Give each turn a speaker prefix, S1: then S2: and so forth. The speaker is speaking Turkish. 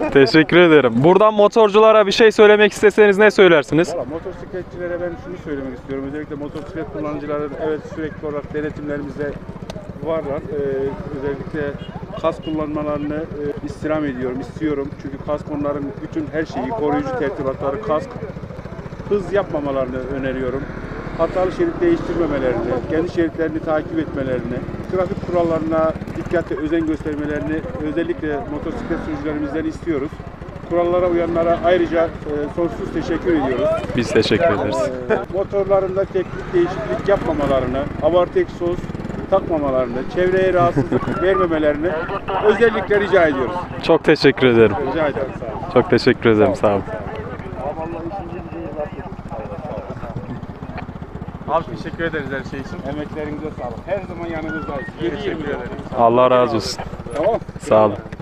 S1: Teşekkür ederim. Buradan motorculara bir şey söylemek isteseniz ne söylersiniz?
S2: Valla motosikletçilere ben şunu söylemek istiyorum. Özellikle motosiklet kullanıcıları evet sürekli olarak denetimlerimizde varlar. Özellikle kask kullanmalarını istirham ediyorum, istiyorum. Çünkü kask onların bütün her şeyi, koruyucu tertibatları, kask, hız yapmamalarını öneriyorum. Hatalı şerit değiştirmemelerini, kendi şeritlerini takip etmelerini, trafik kurallarına dikkatle özen göstermelerini özellikle motosiklet sürücülerimizden istiyoruz. Kurallara uyanlara ayrıca sonsuz teşekkür ediyoruz.
S1: Biz teşekkür ederiz.
S2: Motorlarında teknik değişiklik yapmamalarını, abartı egzoz takmamalarını, çevreye rahatsızlık vermemelerini özellikle rica ediyoruz.
S1: Çok teşekkür ederim.
S2: Rica ederim. Sağ olun.
S1: Çok teşekkür ederim. Sağ olun.
S3: Abi teşekkür ederiz her şey için.
S2: Emeklerinize sağlık. Her zaman yanınızdayız. 7-20 lira.
S1: Allah razı olsun.
S2: Tamam.
S1: Sağ olun.